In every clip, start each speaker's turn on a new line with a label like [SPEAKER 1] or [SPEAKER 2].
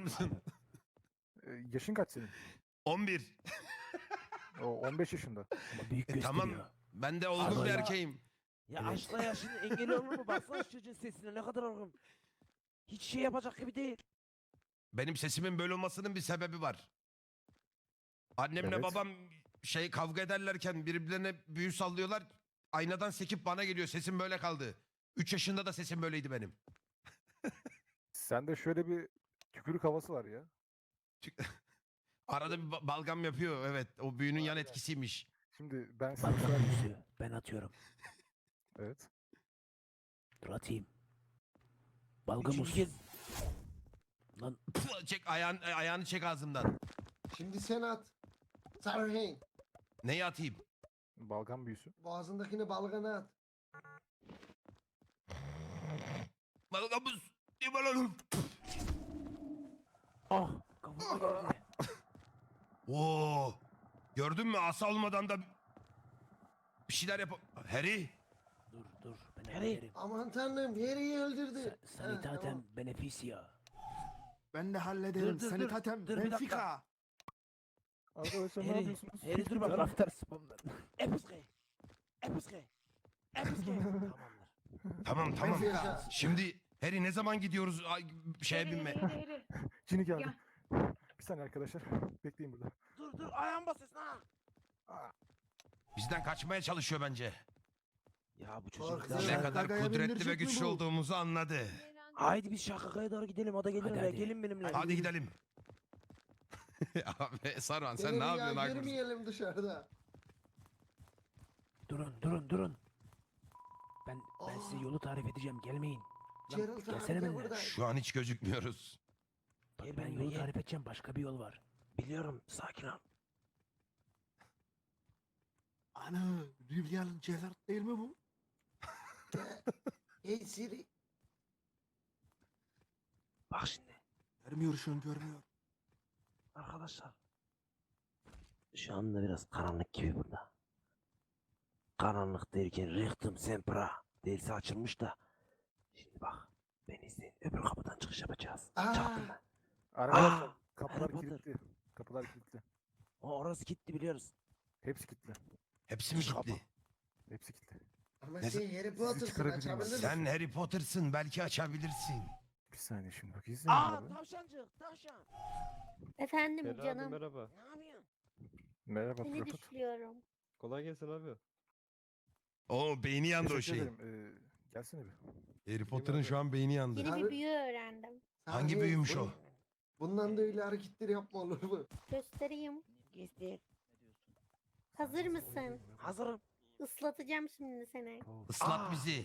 [SPEAKER 1] mısın?
[SPEAKER 2] Yaşın kaç senin?
[SPEAKER 1] 11.
[SPEAKER 2] O 15 yaşında.
[SPEAKER 3] Ama büyük gösteriyor.
[SPEAKER 1] Tamam. Ben de olgun bir
[SPEAKER 3] Allah.
[SPEAKER 1] erkeğim.
[SPEAKER 3] Ya
[SPEAKER 4] Evet.
[SPEAKER 3] aşkla yaşının engeli olur mu? Baksana şu çocuğun sesine ne kadar olgun. Hiç şey yapacak gibi değil.
[SPEAKER 1] Benim sesimin böyle olmasının bir sebebi var. Annemle
[SPEAKER 2] Evet.
[SPEAKER 1] babam kavga ederlerken birbirlerine büyü sallıyorlar. Aynadan sekip bana geliyor. Sesim böyle kaldı. 3 yaşında da sesim böyleydi benim.
[SPEAKER 2] Sende şöyle bir tükürük havası var ya.
[SPEAKER 1] Arada bir balgam yapıyor. Evet. O büyünün yan
[SPEAKER 2] Aynen.
[SPEAKER 1] etkisiymiş.
[SPEAKER 2] Şimdi ben size
[SPEAKER 3] Balgam
[SPEAKER 2] söyleyeyim.
[SPEAKER 3] büyüsü. Ben atıyorum.
[SPEAKER 2] Evet.
[SPEAKER 3] Dur atayım. Balgam
[SPEAKER 4] Üçüncü
[SPEAKER 3] olsun.
[SPEAKER 4] kez.
[SPEAKER 3] Lan
[SPEAKER 1] Çek ayağını çek ağzımdan.
[SPEAKER 5] Şimdi sen at. Sarıhen.
[SPEAKER 1] Neyi atayım?
[SPEAKER 2] Balgam büyüsü.
[SPEAKER 5] Boğazındakini balgana at.
[SPEAKER 1] Balgamız. Limonum.
[SPEAKER 3] ah kafama geldi.
[SPEAKER 1] Oo. Gördün mü? Asa olmadan da bir şeyler yap. Harry.
[SPEAKER 3] Dur ben
[SPEAKER 4] Harry.
[SPEAKER 3] hallederim.
[SPEAKER 5] Aman tanrım Harry'i öldürdü.
[SPEAKER 3] Sanitatem
[SPEAKER 5] tamam.
[SPEAKER 3] beneficia.
[SPEAKER 6] Ben de hallederim.
[SPEAKER 3] Dur, dur,
[SPEAKER 6] Sanitatem,
[SPEAKER 3] dur, bir dakika.
[SPEAKER 6] Benfica.
[SPEAKER 2] Arkadaşlar ne
[SPEAKER 4] Harry,
[SPEAKER 2] yapıyorsunuz?
[SPEAKER 4] Harry dur bak.
[SPEAKER 3] Taraftar spamlar.
[SPEAKER 4] Episke. Episke. Episke.
[SPEAKER 1] Tamam
[SPEAKER 3] Tamamdır.
[SPEAKER 1] tamam.
[SPEAKER 5] Benfica.
[SPEAKER 1] Şimdi Harry ne zaman gidiyoruz şeye binme?
[SPEAKER 2] Cini geldi. Bir saniye arkadaşlar. Bekleyin burada.
[SPEAKER 4] Dur ayağım basıyorsun ha.
[SPEAKER 1] Bizden kaçmaya çalışıyor bence.
[SPEAKER 3] Ya bu
[SPEAKER 5] Korkuyorum.
[SPEAKER 3] çocuk
[SPEAKER 1] Ne
[SPEAKER 5] Ya,
[SPEAKER 1] kadar
[SPEAKER 6] Gaga'ya
[SPEAKER 1] kudretli ve
[SPEAKER 6] bindirecek mi
[SPEAKER 1] güçlü
[SPEAKER 6] bu?
[SPEAKER 1] olduğumuzu anladı.
[SPEAKER 4] Haydi biz Şakaka'ya doğru gidelim. O da gelir
[SPEAKER 3] Hadi,
[SPEAKER 4] oraya.
[SPEAKER 3] hadi.
[SPEAKER 4] Gelin benimle.
[SPEAKER 1] Hadi gidelim. Abi Sarvan sen
[SPEAKER 5] Seni
[SPEAKER 1] ne
[SPEAKER 5] rüya
[SPEAKER 1] yapıyorsun Aykut?
[SPEAKER 5] görmeyelim dışarıda.
[SPEAKER 3] Durun. Ben size yolu tarif edeceğim. Gelmeyin.
[SPEAKER 5] Gerald
[SPEAKER 3] gelsene
[SPEAKER 5] abi de
[SPEAKER 3] benimle.
[SPEAKER 5] burada.
[SPEAKER 1] Şu an hiç gözükmüyoruz.
[SPEAKER 3] Bak
[SPEAKER 4] Gel
[SPEAKER 3] ben
[SPEAKER 4] benimle,
[SPEAKER 3] yolu
[SPEAKER 4] gel.
[SPEAKER 3] tarif edeceğim. Başka bir yol var.
[SPEAKER 4] Biliyorum. Sakin ol.
[SPEAKER 6] Ana, Rivlian Gerard değil mi bu?
[SPEAKER 5] Hey Siri.
[SPEAKER 4] Bak şimdi.
[SPEAKER 6] Görmüyor şu an, görmüyor.
[SPEAKER 4] Arkadaşlar. Şu anda biraz karanlık gibi burada. Karanlık derken Richtum Sempra dersi açılmış da. Şimdi bak. Beni izleyin. Öbür kapıdan çıkış yapacağız.
[SPEAKER 5] Aa.
[SPEAKER 4] Çaktım ben.
[SPEAKER 2] Arkadaşlar
[SPEAKER 4] Aa,
[SPEAKER 2] kapılar
[SPEAKER 4] Harry Potter.
[SPEAKER 2] kilitli. Kapılar kilitli.
[SPEAKER 4] Orası gitti biliyoruz.
[SPEAKER 2] Hepsi kilitli.
[SPEAKER 1] Hepsi mi
[SPEAKER 4] Şaka.
[SPEAKER 1] gitti?
[SPEAKER 2] Hepsi kilitli.
[SPEAKER 5] Ama
[SPEAKER 1] Ne-
[SPEAKER 5] sen Harry Potter'sın
[SPEAKER 2] çıkarabilir miyim?
[SPEAKER 5] açabilir misin?
[SPEAKER 1] Sen Harry Potter'sın belki açabilirsin.
[SPEAKER 2] Bir saniye şimdi bak izleyin
[SPEAKER 4] Aa
[SPEAKER 2] abi.
[SPEAKER 4] tavşancık tavşan.
[SPEAKER 7] Efendim
[SPEAKER 8] Ferhat abi
[SPEAKER 7] canım.
[SPEAKER 8] merhaba.
[SPEAKER 4] Ne yapıyorsun?
[SPEAKER 2] Merhaba
[SPEAKER 7] Seni
[SPEAKER 2] Prophet.
[SPEAKER 7] düşürüyorum.
[SPEAKER 8] Kolay gelsin abi.
[SPEAKER 1] O beyni yandı o
[SPEAKER 2] Teşekkür
[SPEAKER 1] şey.
[SPEAKER 2] ederim. Gelsene bir.
[SPEAKER 1] Harry Potter'ın şu an beyni yandı.
[SPEAKER 7] Yeni
[SPEAKER 5] Abi-
[SPEAKER 7] bir büyü öğrendim.
[SPEAKER 1] Hangi
[SPEAKER 5] Sarıhen,
[SPEAKER 1] büyümüş o?
[SPEAKER 5] Bundan da öyle hareketler yapma olur mu?
[SPEAKER 7] Göstereyim.
[SPEAKER 4] Göster.
[SPEAKER 7] Hazır mısın?
[SPEAKER 4] Hazırım.
[SPEAKER 7] Islatacağım şimdi seni.
[SPEAKER 1] Islat
[SPEAKER 4] Aa.
[SPEAKER 1] bizi.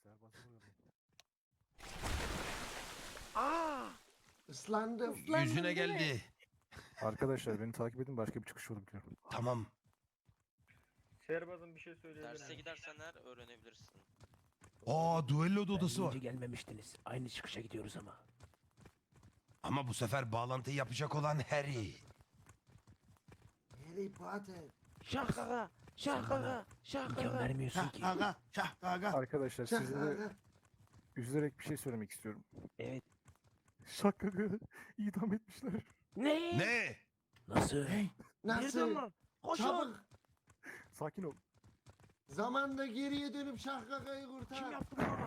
[SPEAKER 4] Aa.
[SPEAKER 5] Islandım.
[SPEAKER 7] Islandın
[SPEAKER 1] Yüzüne
[SPEAKER 7] değil mi?
[SPEAKER 1] geldi.
[SPEAKER 2] Arkadaşlar beni takip edin başka bir çıkış yolu biliyorum.
[SPEAKER 1] Tamam.
[SPEAKER 8] Şehrbazım bir şey söyleyebilir
[SPEAKER 9] Derse gidersen her öğrenebilirsin.
[SPEAKER 1] Aa duello
[SPEAKER 3] Ben
[SPEAKER 1] odası var.
[SPEAKER 3] deyince gelmemiştiniz. Aynı çıkışa gidiyoruz ama.
[SPEAKER 1] Ama bu sefer bağlantıyı yapacak olan Harry.
[SPEAKER 5] Harry Potter.
[SPEAKER 4] Şakaka. Şakaka.
[SPEAKER 3] İmkan
[SPEAKER 4] Şakaka.
[SPEAKER 3] vermiyorsun
[SPEAKER 6] Şah
[SPEAKER 3] ki.
[SPEAKER 6] gaga, şah gaga.
[SPEAKER 2] Arkadaşlar size de
[SPEAKER 5] Şakaka.
[SPEAKER 2] üzülerek bir şey söylemek istiyorum.
[SPEAKER 4] Evet.
[SPEAKER 2] Şakak'ı idam etmişler.
[SPEAKER 4] Ne?
[SPEAKER 1] Ne?
[SPEAKER 3] Nasıl?
[SPEAKER 4] Nereden
[SPEAKER 5] Nasıl?
[SPEAKER 4] lan? Koşun.
[SPEAKER 5] Çabuk.
[SPEAKER 2] Sakin ol.
[SPEAKER 5] Zamanda geriye dönüp Şahkaka'yı kurtar.
[SPEAKER 4] Kim yaptı bunu?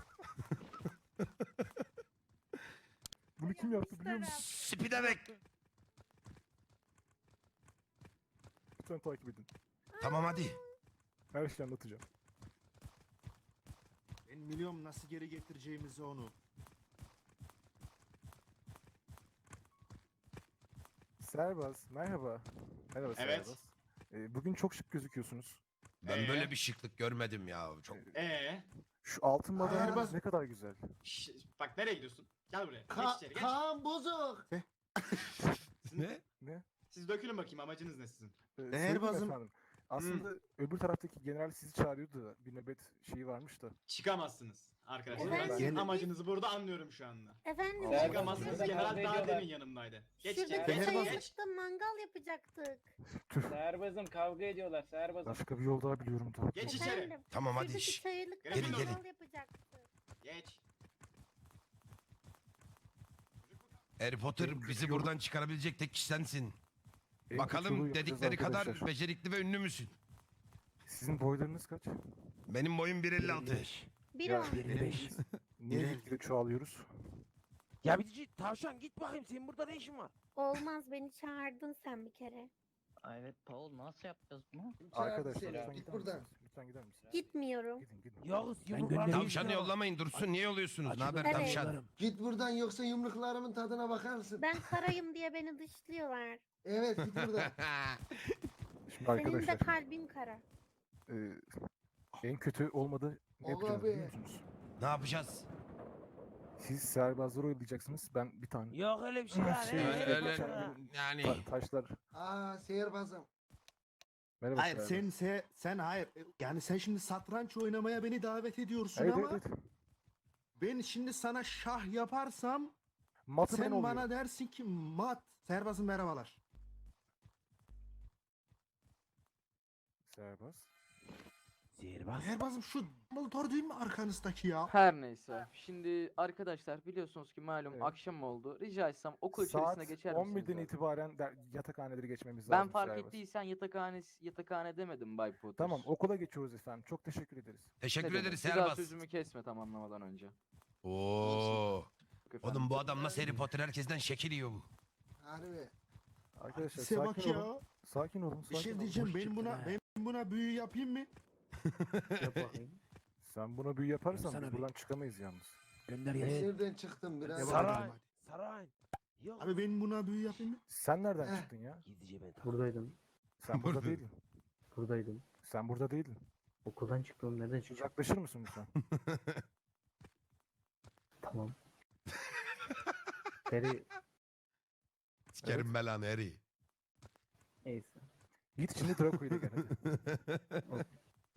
[SPEAKER 2] Bunu kim yaptı biliyor musun?
[SPEAKER 1] Spiderek.
[SPEAKER 2] Lütfen takip edin.
[SPEAKER 1] Tamam hadi.
[SPEAKER 2] Her şeyi anlatacağım.
[SPEAKER 6] Ben biliyorum nasıl geri getireceğimizi onu.
[SPEAKER 2] Serbaz, merhaba. Merhaba
[SPEAKER 10] Evet.
[SPEAKER 2] Serbaz. Bugün çok şık gözüküyorsunuz.
[SPEAKER 1] Ben böyle bir şıklık görmedim ya. Çok.
[SPEAKER 2] Şu altın madalyanız
[SPEAKER 5] Serbaz-
[SPEAKER 2] ne kadar güzel.
[SPEAKER 10] Bak nereye gidiyorsun? Gel buraya.
[SPEAKER 5] Ka
[SPEAKER 10] geç içeri geç.
[SPEAKER 5] Kaan Bozok.
[SPEAKER 1] Ne?
[SPEAKER 2] Ne?
[SPEAKER 10] Siz dökülün bakayım amacınız ne sizin?
[SPEAKER 2] Sevgili
[SPEAKER 6] Serbazım.
[SPEAKER 2] efendim. Aslında öbür taraftaki general sizi çağırıyordu da bir nöbet şeyi varmış da.
[SPEAKER 10] Çıkamazsınız arkadaşlar. Ben
[SPEAKER 7] Efendim?
[SPEAKER 10] sizin amacınızı burada anlıyorum şu anda.
[SPEAKER 7] Efendim.
[SPEAKER 2] Aa,
[SPEAKER 10] Çıkamazsınız.
[SPEAKER 2] Şurada
[SPEAKER 10] General daha demin yanımdaydı. Geç içeri.
[SPEAKER 7] Şuradaki
[SPEAKER 10] Geç.
[SPEAKER 6] Serbaz-
[SPEAKER 10] Geç.
[SPEAKER 7] kayalıkta mangal yapacaktık.
[SPEAKER 2] Tüh.
[SPEAKER 8] Serbazım kavga ediyorlar serbazım.
[SPEAKER 2] Başka bir yol daha biliyorum da.
[SPEAKER 10] Geç içeri.
[SPEAKER 7] Efendim.
[SPEAKER 1] Tamam hadi.
[SPEAKER 7] Şuradaki
[SPEAKER 1] şş.
[SPEAKER 7] kayalıkta
[SPEAKER 10] Gelin,
[SPEAKER 7] mangal
[SPEAKER 1] gelin.
[SPEAKER 7] yapacaktık.
[SPEAKER 10] Geç.
[SPEAKER 1] Harry Potter
[SPEAKER 2] En kötü
[SPEAKER 1] bizi
[SPEAKER 2] yolu-
[SPEAKER 1] buradan çıkarabilecek tek kişi sensin.
[SPEAKER 2] En kötü yolu
[SPEAKER 1] Bakalım
[SPEAKER 2] yapacağız
[SPEAKER 1] dedikleri kadar
[SPEAKER 2] arkadaşlar.
[SPEAKER 1] becerikli ve ünlü müsün?
[SPEAKER 2] Sizin boylarınız kaç?
[SPEAKER 1] Benim boyum 1.56.
[SPEAKER 7] Bir
[SPEAKER 2] Ya,
[SPEAKER 7] on.
[SPEAKER 3] 55.
[SPEAKER 2] Niye gitgide çoğalıyoruz?
[SPEAKER 3] Ya bir tavşan git bakayım senin burada ne işin var?
[SPEAKER 7] Olmaz, beni çağırdın sen bir kere.
[SPEAKER 9] Evet Paul nasıl yapacağız bunu?
[SPEAKER 2] Arkadaşlar
[SPEAKER 5] Seni,
[SPEAKER 2] lütfen
[SPEAKER 5] git
[SPEAKER 2] gider
[SPEAKER 5] buradan.
[SPEAKER 2] misiniz? Lütfen gider misiniz?
[SPEAKER 7] Gitmiyorum.
[SPEAKER 2] Gidin.
[SPEAKER 3] Yağız
[SPEAKER 2] Ben
[SPEAKER 3] yumruklar.
[SPEAKER 1] Tavşanı yollamayın dursun. Niye yolluyorsunuz? Ne haber
[SPEAKER 7] Evet.
[SPEAKER 1] tavşan?
[SPEAKER 5] Git buradan yoksa yumruklarımın tadına bakarsın.
[SPEAKER 7] Ben karayım diye beni dışlıyorlar.
[SPEAKER 5] Evet git buradan.
[SPEAKER 2] Şimdi
[SPEAKER 7] Senin de
[SPEAKER 2] arkadaşlar
[SPEAKER 7] kalbin kara.
[SPEAKER 2] en kötü olmadı ne
[SPEAKER 5] Oğlum
[SPEAKER 2] yapacağız
[SPEAKER 5] abi.
[SPEAKER 2] biliyor musunuz?
[SPEAKER 1] Ne yapacağız?
[SPEAKER 2] Siz serbazları oyalayacaksınız. Ben bir tane
[SPEAKER 3] Yok öyle bir şey ya.
[SPEAKER 2] Şey,
[SPEAKER 1] Yani
[SPEAKER 2] taşlar.
[SPEAKER 5] Aa sihirbazım.
[SPEAKER 2] Merhaba.
[SPEAKER 6] Hayır
[SPEAKER 2] serbaz.
[SPEAKER 6] sen hayır. Yani sen şimdi satranç oynamaya beni davet ediyorsun
[SPEAKER 2] Evet,
[SPEAKER 6] ama
[SPEAKER 2] evet, evet.
[SPEAKER 6] ben şimdi sana şah yaparsam
[SPEAKER 2] Matı ben
[SPEAKER 6] sen
[SPEAKER 2] oluyorum.
[SPEAKER 6] bana dersin ki mat. Serbazım merhabalar.
[SPEAKER 2] Serbaz.
[SPEAKER 3] Sihirbaz.
[SPEAKER 6] Serbazım şu Dumbledore değil mi arkanızdaki ya?
[SPEAKER 8] Her neyse. Şimdi arkadaşlar biliyorsunuz ki malum
[SPEAKER 2] Evet.
[SPEAKER 8] akşam oldu. Rica etsem okul
[SPEAKER 2] Saat
[SPEAKER 8] içerisine geçer misiniz?
[SPEAKER 2] 11'den
[SPEAKER 8] abi?
[SPEAKER 2] itibaren yatakhaneleri geçmemiz
[SPEAKER 8] Ben
[SPEAKER 2] lazım.
[SPEAKER 8] fark
[SPEAKER 2] serbaz.
[SPEAKER 8] ettiysen yatakhane demedim Bay Potter.
[SPEAKER 2] Tamam okula geçiyoruz efendim. Çok teşekkür ederiz.
[SPEAKER 1] teşekkür
[SPEAKER 8] Ne demek?
[SPEAKER 1] ederiz
[SPEAKER 8] Bir daha
[SPEAKER 1] Serbaz.
[SPEAKER 8] sözümü kesme tamamlamadan önce.
[SPEAKER 1] Oo.
[SPEAKER 8] Yok efendim.
[SPEAKER 1] Oğlum bu adam nasıl Harry Potter herkesten şekil yiyor bu.
[SPEAKER 5] Harbi.
[SPEAKER 2] Arkadaşlar
[SPEAKER 6] Size bak
[SPEAKER 2] sakin
[SPEAKER 6] ya.
[SPEAKER 2] olun. Sakin olun.
[SPEAKER 6] Bir
[SPEAKER 2] Sakin
[SPEAKER 6] şey
[SPEAKER 2] olun.
[SPEAKER 6] diyeceğim
[SPEAKER 3] boş çıktın ha.
[SPEAKER 6] ben buna büyü yapayım mı?
[SPEAKER 2] Sen buna büyü yaparsan
[SPEAKER 3] Sana
[SPEAKER 2] biz
[SPEAKER 3] bir-
[SPEAKER 2] buradan çıkamayız yalnız.
[SPEAKER 3] Gönder
[SPEAKER 5] Nereden çıktım biraz?
[SPEAKER 6] Devam
[SPEAKER 3] Saray.
[SPEAKER 6] edelim hadi.
[SPEAKER 3] Saray. Yok.
[SPEAKER 6] Abi ben buna büyü yapayım mı?
[SPEAKER 2] Sen nereden
[SPEAKER 5] Heh.
[SPEAKER 2] çıktın ya?
[SPEAKER 3] Gizlice ben takip.
[SPEAKER 11] Buradaydım.
[SPEAKER 2] Sen burada
[SPEAKER 1] Burada.
[SPEAKER 2] değildin.
[SPEAKER 11] Buradaydım.
[SPEAKER 2] Sen burada değildin.
[SPEAKER 11] Okuldan çıktım. Nereden çıktım?
[SPEAKER 2] Uzaklaşır mısın lütfen?
[SPEAKER 11] Tamam. Seri
[SPEAKER 1] Sikerim belanı Harry.
[SPEAKER 11] neyse.
[SPEAKER 2] Git içinde Draco'yu da gel hadi.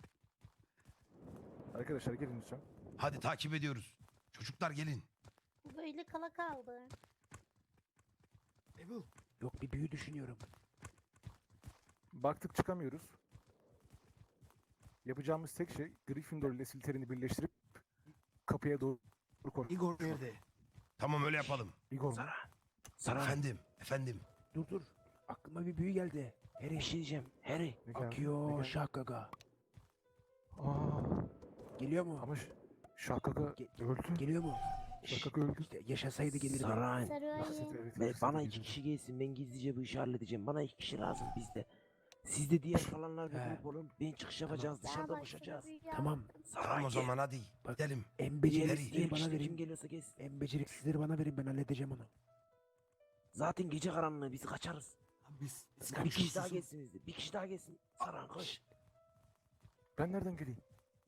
[SPEAKER 2] Arkadaşlar gelin lütfen.
[SPEAKER 1] Hadi takip ediyoruz. Çocuklar gelin.
[SPEAKER 7] Bu böyle kala kaldı.
[SPEAKER 6] Evil.
[SPEAKER 3] Yok bir büyü düşünüyorum.
[SPEAKER 2] Baktık çıkamıyoruz. Yapacağımız tek şey Gryffindor ile Slytherin'i birleştirip kapıya doğru koşmak.
[SPEAKER 6] Igor nerede?
[SPEAKER 1] Tamam öyle yapalım.
[SPEAKER 2] Igor mu?
[SPEAKER 3] Saray.
[SPEAKER 1] Efendim.
[SPEAKER 3] Dur. Aklıma bir büyü geldi. Harry bir şey diyeceğim. Harry.
[SPEAKER 2] Ne geldi? Ne
[SPEAKER 3] Akıyor
[SPEAKER 2] geldi?
[SPEAKER 3] şakaga.
[SPEAKER 2] Aa,
[SPEAKER 3] Geliyor mu?
[SPEAKER 2] ama Şakaka öldü.
[SPEAKER 3] Geliyor mu?
[SPEAKER 2] Şakaka öldü.
[SPEAKER 3] İşte yaşasaydı gelirdi.
[SPEAKER 4] Saray.
[SPEAKER 7] Sarıayım.
[SPEAKER 4] Bana 2 kişi gelsin. Ben gizlice bu işi halledeceğim. Bana 2 kişi lazım bizde. Siz de diğer kalanlar bir
[SPEAKER 3] He.
[SPEAKER 4] grup olun. Ben çıkış yapacağız.
[SPEAKER 7] Daha
[SPEAKER 4] Dışarıda
[SPEAKER 7] başka
[SPEAKER 4] buluşacağız.
[SPEAKER 7] büyü
[SPEAKER 3] Tamam.
[SPEAKER 7] yaptım.
[SPEAKER 1] Tamam o zaman hadi.
[SPEAKER 3] Bak.
[SPEAKER 1] Gidelim.
[SPEAKER 3] En beceriksizleri bana
[SPEAKER 4] Kim
[SPEAKER 3] verin.
[SPEAKER 4] geliyorsa gelsin.
[SPEAKER 3] En beceriksizleri bana verin ben halledeceğim onu.
[SPEAKER 4] Zaten gece karanlığı biz kaçarız.
[SPEAKER 6] Biz
[SPEAKER 4] Bir kişi daha gelsin bizde. Bir kişi daha gelsin. Saran koş.
[SPEAKER 2] Ben nereden geleyim?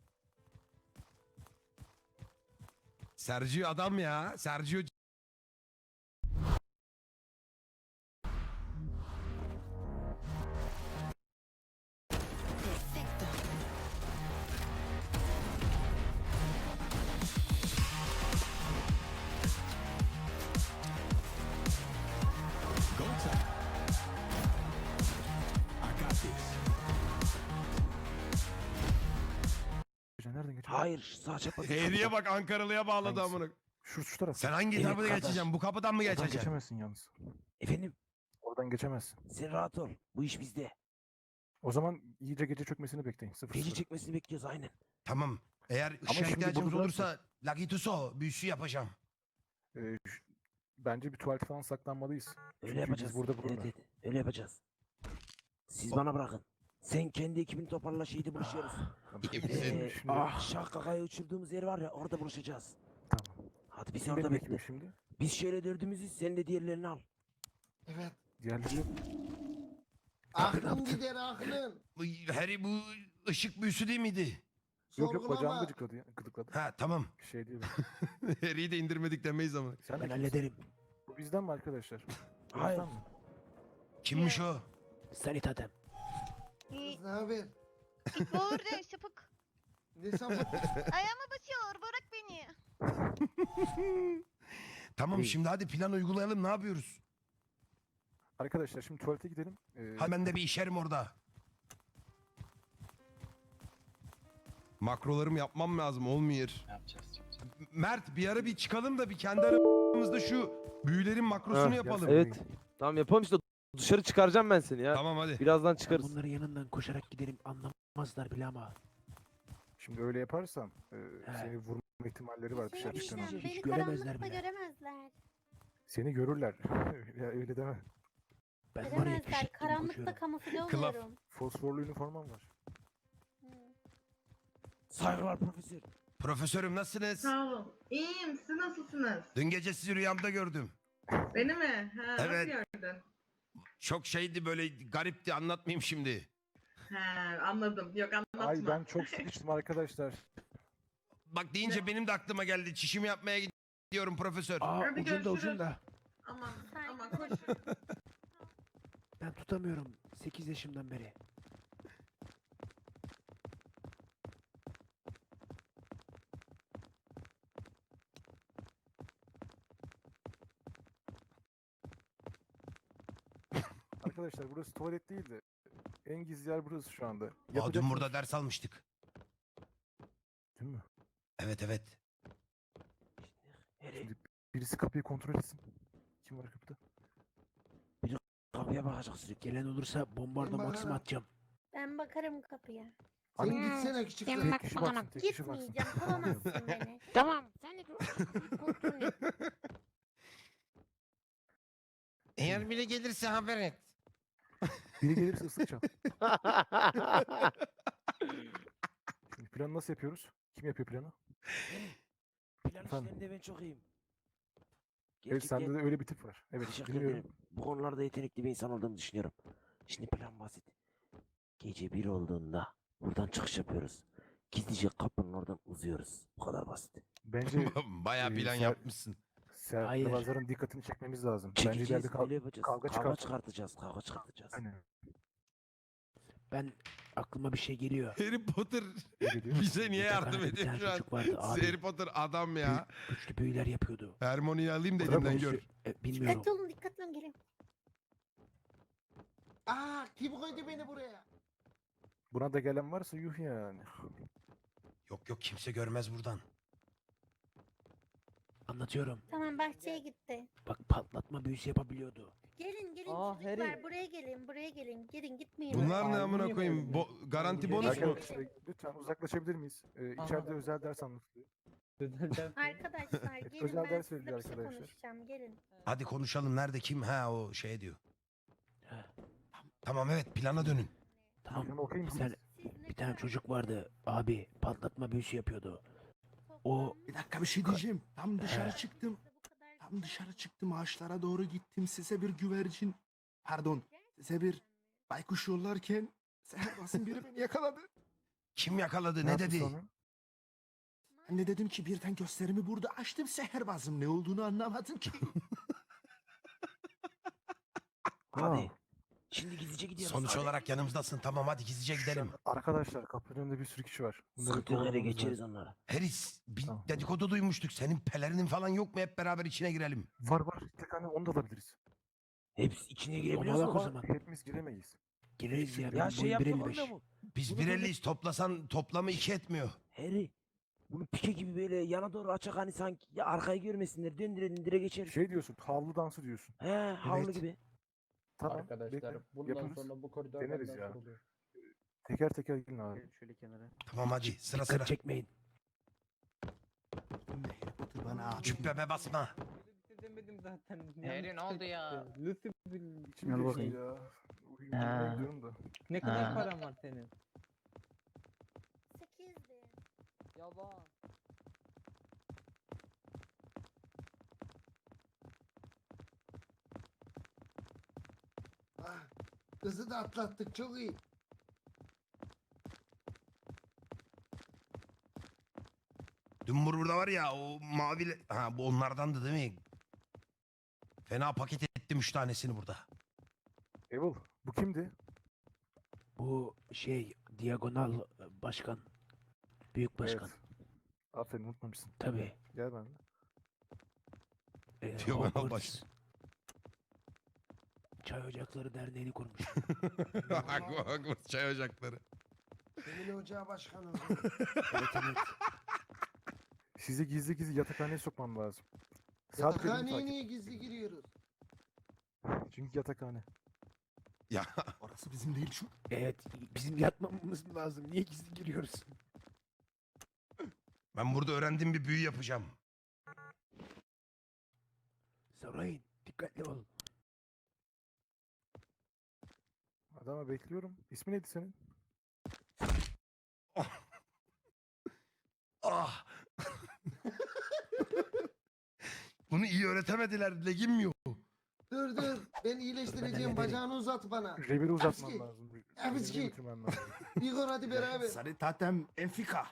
[SPEAKER 1] Sergio adam ya. Sergio
[SPEAKER 2] Nereden geçeceğim?
[SPEAKER 4] Hayır sağ çapa.
[SPEAKER 1] Harry'e bak Ankaralı'ya bağladı
[SPEAKER 2] Hangisi?
[SPEAKER 1] amına.
[SPEAKER 2] Şu taraf.
[SPEAKER 1] Sen hangi
[SPEAKER 4] Evet,
[SPEAKER 1] tarafa
[SPEAKER 4] kardeş.
[SPEAKER 1] geçeceksin? Bu kapıdan mı
[SPEAKER 2] Oradan
[SPEAKER 1] geçeceksin?
[SPEAKER 2] geçemezsin yalnız.
[SPEAKER 4] Efendim
[SPEAKER 2] Oradan geçemezsin.
[SPEAKER 4] sen rahat ol. Bu iş bizde.
[SPEAKER 2] O zaman iyice gece çökmesini bekleyin. Sıfır
[SPEAKER 4] Gece
[SPEAKER 2] sıfır.
[SPEAKER 4] çekmesini bekliyoruz aynen.
[SPEAKER 1] Tamam. Eğer ışığa
[SPEAKER 2] şimdi
[SPEAKER 1] ihtiyacımız
[SPEAKER 2] bunu
[SPEAKER 1] olursa Lagituso büyüsü yapacağım.
[SPEAKER 2] Bence bir tuvalet falan saklanmalıyız.
[SPEAKER 4] Öyle
[SPEAKER 2] Çünkü
[SPEAKER 4] yapacağız.
[SPEAKER 2] Biz burada
[SPEAKER 4] Evet,
[SPEAKER 2] burada.
[SPEAKER 4] evet, öyle yapacağız. Siz bana bırakın. Sen kendi ekibini toparla şeyde buluşuyoruz.
[SPEAKER 1] İyi misin?
[SPEAKER 2] Şimdi-
[SPEAKER 4] Şahkaka'yı uçurduğumuz yer var ya orada buluşacağız.
[SPEAKER 2] Tamam.
[SPEAKER 4] Hadi biz
[SPEAKER 2] Kim
[SPEAKER 4] orada
[SPEAKER 2] benim ekibim
[SPEAKER 4] bekle.
[SPEAKER 2] şimdi?
[SPEAKER 4] Biz şöyle dördümüzüz sen de diğerlerini al.
[SPEAKER 5] Evet.
[SPEAKER 2] Diğerleri yok.
[SPEAKER 5] Aklın gider aklın.
[SPEAKER 1] Harry bu ışık büyüsü değil miydi?
[SPEAKER 2] Yok bacağımı
[SPEAKER 5] Sorgulama.
[SPEAKER 2] gıcıkladı ya. Gıdıkladı.
[SPEAKER 1] Ha tamam.
[SPEAKER 2] Şey değil.
[SPEAKER 1] Harry'i de indirmedik demeyiz ama.
[SPEAKER 2] Sen de
[SPEAKER 3] Ben
[SPEAKER 2] kimsin?
[SPEAKER 3] hallederim.
[SPEAKER 2] Bu bizden mi arkadaşlar?
[SPEAKER 4] Hayır.
[SPEAKER 2] Bizden mi?
[SPEAKER 1] Kimmiş o?
[SPEAKER 3] Sanitatem.
[SPEAKER 5] Kız ne haber?
[SPEAKER 7] Burada sapık.
[SPEAKER 5] Ne sapık?
[SPEAKER 7] Ayağıma basıyor. Bırak beni.
[SPEAKER 1] Tamam şimdi hadi plan uygulayalım ne yapıyoruz?
[SPEAKER 2] Arkadaşlar şimdi tuvalete gidelim.
[SPEAKER 1] Hemen de bir işerim orada. Makrolarımı yapmam lazım olmuyor.
[SPEAKER 9] Yapacağız.
[SPEAKER 1] Mert bir ara bir çıkalım da bir kendi aramızda şu büyülerin makrosunu
[SPEAKER 3] Ha,
[SPEAKER 1] yapalım.
[SPEAKER 3] Evet. Tamam yapalım işte. Dışarı çıkaracağım ben seni ya.
[SPEAKER 1] Tamam hadi.
[SPEAKER 3] Birazdan çıkarız.
[SPEAKER 4] Bunların yanından koşarak giderim anlamazlar bile ama.
[SPEAKER 2] Şimdi öyle yaparsan seni vurma ihtimalleri var
[SPEAKER 7] Şey
[SPEAKER 2] dışarı çıktığın an.
[SPEAKER 7] diyeceğim,
[SPEAKER 4] Hiç
[SPEAKER 7] beni
[SPEAKER 4] göremezler
[SPEAKER 7] karanlıkta
[SPEAKER 4] bile.
[SPEAKER 7] göremezler.
[SPEAKER 2] Seni görürler. Ya öyle deme.
[SPEAKER 4] Ben var ya
[SPEAKER 7] Göremezler.
[SPEAKER 4] fişek gibi
[SPEAKER 7] Karanlıkta
[SPEAKER 4] koşuyorum.
[SPEAKER 7] kamufle
[SPEAKER 1] Kılaf.
[SPEAKER 7] oluyorum.
[SPEAKER 2] Fosforlu üniformam var.
[SPEAKER 7] Hı.
[SPEAKER 4] Saygılar profesör.
[SPEAKER 1] Profesörüm nasılsınız?
[SPEAKER 12] Sağ olun. İyiyim. Siz nasılsınız?
[SPEAKER 1] Dün gece sizi rüyamda gördüm.
[SPEAKER 12] Beni mi? Ha,
[SPEAKER 1] Evet.
[SPEAKER 12] Nasıl gördün?
[SPEAKER 1] Çok şeydi böyle garipti anlatmayayım şimdi.
[SPEAKER 12] Ha, anladım. Yok anlatma.
[SPEAKER 2] Ay ben çok sıkıştım arkadaşlar.
[SPEAKER 1] Bak deyince benim de aklıma geldi. Çişimi yapmaya gidiyorum profesör.
[SPEAKER 4] Aa
[SPEAKER 12] Hadi
[SPEAKER 4] ucunda
[SPEAKER 12] görüşürüz.
[SPEAKER 4] ucunda.
[SPEAKER 12] Aman
[SPEAKER 7] Saygılar.
[SPEAKER 12] aman koş.
[SPEAKER 4] Ben tutamıyorum 8 yaşımdan beri.
[SPEAKER 2] Arkadaşlar burası tuvalet değil de en gizli yer burası şu anda.
[SPEAKER 1] Aa, dün
[SPEAKER 2] Yapacaksınız.
[SPEAKER 1] burada ders almıştık.
[SPEAKER 2] Değil mi?
[SPEAKER 1] Evet evet.
[SPEAKER 2] Şimdi birisi kapıyı kontrol etsin. Kim var kapıda?
[SPEAKER 4] Kapıya bakacaksın. Gelen olursa bombarda
[SPEAKER 5] Ben
[SPEAKER 4] maksim
[SPEAKER 5] bakarım.
[SPEAKER 4] atacağım.
[SPEAKER 7] Ben bakarım kapıya.
[SPEAKER 5] Sen
[SPEAKER 2] Hani
[SPEAKER 5] gitsene küçük
[SPEAKER 7] Sen
[SPEAKER 5] kız.
[SPEAKER 7] bak
[SPEAKER 2] tek kişi
[SPEAKER 7] bakalım.
[SPEAKER 2] baksın, tek kişi baksın.
[SPEAKER 7] Gitmeyeceğim. Bulamazsın beni.
[SPEAKER 4] Tamam. Sen de kontrol et.
[SPEAKER 1] Eğer biri gelirse haber et.
[SPEAKER 2] Biri gelirse ıslık Şimdi planı nasıl yapıyoruz? Kim yapıyor planı?
[SPEAKER 4] Plan
[SPEAKER 2] Efendim?
[SPEAKER 4] işlerinde ben çok iyiyim.
[SPEAKER 2] Evet sende de öyle bir tip var. Evet
[SPEAKER 4] Teşekkür
[SPEAKER 2] biliyorum.
[SPEAKER 4] ederim. Bu konularda yetenekli bir insan olduğumu düşünüyorum. Şimdi plan basit. Gece 1 olduğunda buradan çıkış yapıyoruz. Gizlice kapının oradan uzuyoruz. Bu kadar basit.
[SPEAKER 2] Bence
[SPEAKER 1] Bayağı plan
[SPEAKER 2] Ser-
[SPEAKER 1] yapmışsın.
[SPEAKER 4] Hayır.
[SPEAKER 2] Serpilazların dikkatini çekmemiz lazım. Bence
[SPEAKER 4] Çekeceğiz,
[SPEAKER 2] ileride
[SPEAKER 4] öyle yapacağız.
[SPEAKER 2] kavga
[SPEAKER 4] Kavga
[SPEAKER 2] çıkar.
[SPEAKER 4] çıkartacağız, kavga çıkartacağız.
[SPEAKER 2] Aynen.
[SPEAKER 4] Aklıma bir şey geliyor.
[SPEAKER 1] Harry Potter
[SPEAKER 2] Ne geliyor?
[SPEAKER 1] bize niye
[SPEAKER 4] Bir
[SPEAKER 1] yardım
[SPEAKER 4] tane- bir
[SPEAKER 1] ediyor
[SPEAKER 4] tane
[SPEAKER 1] şu an?
[SPEAKER 4] çocuk vardı abi.
[SPEAKER 1] Harry Potter adam ya.
[SPEAKER 4] Güçlü büyüler yapıyordu.
[SPEAKER 1] Hermione'yi alayım da
[SPEAKER 2] Bırak
[SPEAKER 1] elimden
[SPEAKER 2] o
[SPEAKER 1] gör.
[SPEAKER 2] işi.
[SPEAKER 4] Bilmiyorum.
[SPEAKER 7] Dikkatli olun. Dikkatli olun. Gelin.
[SPEAKER 5] Aa kim koydu beni buraya?
[SPEAKER 2] Buna da gelen varsa yuh yani.
[SPEAKER 1] Yok yok kimse görmez buradan.
[SPEAKER 4] Anlatıyorum.
[SPEAKER 7] Tamam bahçeye gitti.
[SPEAKER 4] Bak patlatma büyüsü yapabiliyordu.
[SPEAKER 7] Gelin gelin
[SPEAKER 3] Aa,
[SPEAKER 7] çocuklar.
[SPEAKER 3] Harry.
[SPEAKER 7] Buraya gelin. Buraya gelin. Gelin gitmeyin.
[SPEAKER 1] Bunlar ne
[SPEAKER 3] Albüm
[SPEAKER 1] amına koyayım?
[SPEAKER 3] yapıyoruz
[SPEAKER 1] Garanti bonus mu?
[SPEAKER 2] Arkadaşlar lütfen uzaklaşabilir miyiz? İçeride özel ders anlatılıyor.
[SPEAKER 7] Arkadaşlar gelin
[SPEAKER 2] Özel
[SPEAKER 7] ben
[SPEAKER 2] ders
[SPEAKER 7] sizinle
[SPEAKER 2] veriliyor
[SPEAKER 7] bir şey
[SPEAKER 2] arkadaşlar.
[SPEAKER 7] konuşacağım. Gelin.
[SPEAKER 1] Hadi konuşalım nerede kim? Ha o şey diyor.
[SPEAKER 4] He.
[SPEAKER 1] Tamam evet plana dönün.
[SPEAKER 4] Tamam.
[SPEAKER 2] Planı okuyayım
[SPEAKER 4] Bir
[SPEAKER 2] mı?
[SPEAKER 4] tane,
[SPEAKER 7] Siz ne
[SPEAKER 4] bir tane
[SPEAKER 7] kadar
[SPEAKER 4] çocuk vardı abi patlatma büyüsü yapıyordu. O
[SPEAKER 6] Bir dakika bir şey diyeceğim. Tam dışarı
[SPEAKER 7] He.
[SPEAKER 6] çıktım.
[SPEAKER 7] Bu kadar
[SPEAKER 6] Tam
[SPEAKER 7] güzel.
[SPEAKER 6] dışarı çıktım ağaçlara doğru gittim. Size bir güvercin. Pardon. Size bir baykuş yollarken Seherbaz'ın biri beni yakaladı.
[SPEAKER 1] Kim yakaladı
[SPEAKER 2] Ne
[SPEAKER 1] ne
[SPEAKER 2] yaptı
[SPEAKER 1] dedi?
[SPEAKER 2] sonra?
[SPEAKER 6] Ben de dedim ki birden gösterimi burada açtım. Seherbaz'ım ne olduğunu anlamadım ki.
[SPEAKER 4] hadi. Şimdi gizlice gidiyoruz.
[SPEAKER 1] Sonuç
[SPEAKER 4] hadi.
[SPEAKER 1] olarak yanımızdasın. Tamam hadi gizlice gidelim.
[SPEAKER 2] Arkadaşlar kapının önünde bir sürü kişi var. Bunları
[SPEAKER 4] Sıkıntı yok, hele
[SPEAKER 2] kovalamamız
[SPEAKER 4] geçeriz
[SPEAKER 2] lazım.
[SPEAKER 4] onları.
[SPEAKER 1] Heris bir
[SPEAKER 2] Tamam.
[SPEAKER 1] dedikodu duymuştuk. Senin pelerinin falan yok mu? Hep beraber içine girelim.
[SPEAKER 2] Var var. Tek hani onu da alabiliriz.
[SPEAKER 4] Hepsi içine girebiliyoruz o
[SPEAKER 2] Ama
[SPEAKER 4] zaman.
[SPEAKER 2] hepimiz giremeyiz.
[SPEAKER 4] Gireriz ya.
[SPEAKER 3] Ya
[SPEAKER 4] Benim
[SPEAKER 3] şey
[SPEAKER 4] boyum
[SPEAKER 3] yapalım
[SPEAKER 4] 1.55.
[SPEAKER 3] da mı?
[SPEAKER 1] Biz
[SPEAKER 3] Bunu
[SPEAKER 1] 1.50'yiz. Toplasan toplamı 2 etmiyor.
[SPEAKER 4] Harry. Bunu pike gibi böyle yana doğru açak hani sanki ya arkayı görmesinler. Döndürelim dire geçeriz.
[SPEAKER 2] Şey diyorsun, havlu dansı diyorsun.
[SPEAKER 4] He havlu
[SPEAKER 2] Evet.
[SPEAKER 4] gibi.
[SPEAKER 2] Tamam.
[SPEAKER 11] Arkadaşlar
[SPEAKER 2] bekle,
[SPEAKER 11] bundan
[SPEAKER 2] yaparız.
[SPEAKER 11] sonra bu koridor
[SPEAKER 2] Deneriz
[SPEAKER 11] benden
[SPEAKER 2] ya.
[SPEAKER 11] soruluyor.
[SPEAKER 2] Teker teker gelin abi.
[SPEAKER 11] Şöyle kenara.
[SPEAKER 1] Tamam hadi sıra
[SPEAKER 4] Dikkat
[SPEAKER 1] sıra.
[SPEAKER 4] çekmeyin.
[SPEAKER 6] Şimdi Harry Potter bana abi.
[SPEAKER 1] Cübbeme basma.
[SPEAKER 11] Demedim zaten.
[SPEAKER 9] Harry ne oldu ya?
[SPEAKER 11] Lucy
[SPEAKER 2] İçim
[SPEAKER 11] Al
[SPEAKER 2] geçti
[SPEAKER 11] bakayım.
[SPEAKER 2] ya.
[SPEAKER 9] Ha.
[SPEAKER 2] Uyumaya gidiyorum da.
[SPEAKER 11] ne kadar
[SPEAKER 9] Ha.
[SPEAKER 11] paran var senin?
[SPEAKER 7] 8'di.
[SPEAKER 3] Yaba.
[SPEAKER 5] Ah, kızı da atlattık çok iyi.
[SPEAKER 1] Dün burada var ya o mavi... Ha bu onlardandı değil mi? Fena paket ettim 3 tanesini burada.
[SPEAKER 2] Evil, bu kimdi?
[SPEAKER 4] Bu şey diagonal başkan. Büyük başkan.
[SPEAKER 2] Evet. Aferin unutmamışsın.
[SPEAKER 4] Tabii.
[SPEAKER 2] Gel benimle.
[SPEAKER 1] Diagonal
[SPEAKER 4] Hogwarts
[SPEAKER 1] baş.
[SPEAKER 4] Çay Ocakları Derneği'ni kurmuş.
[SPEAKER 1] Hogwarts çay ocakları.
[SPEAKER 5] Senin ocağı başkanım.
[SPEAKER 4] Evet evet.
[SPEAKER 2] sizi gizli gizli yatakhaneye sokmam lazım. Saat belirli
[SPEAKER 5] Yatakhaneye
[SPEAKER 2] takip.
[SPEAKER 5] niye gizli giriyoruz?
[SPEAKER 2] Çünkü yatakhane.
[SPEAKER 1] Ya
[SPEAKER 6] Orası bizim değil şu.
[SPEAKER 3] Evet, bizim yatmamamız lazım. Niye gizli giriyoruz?
[SPEAKER 1] ben burada öğrendiğim bir büyü yapacağım.
[SPEAKER 3] Sorayın, dikkatli ol.
[SPEAKER 2] Adama bekliyorum. İsmi neydi senin?
[SPEAKER 1] Ah. Bunu iyi öğretemediler. Legim yok.
[SPEAKER 5] Dur dur. Ben iyileştireceğim. Bacağını uzat bana.
[SPEAKER 2] Reviri uzatmam
[SPEAKER 5] Hapski.
[SPEAKER 2] lazım.
[SPEAKER 5] Hapski.
[SPEAKER 2] Reviri götürmem lazım.
[SPEAKER 5] Igor hadi beraber.
[SPEAKER 6] Sarı tatem enfika.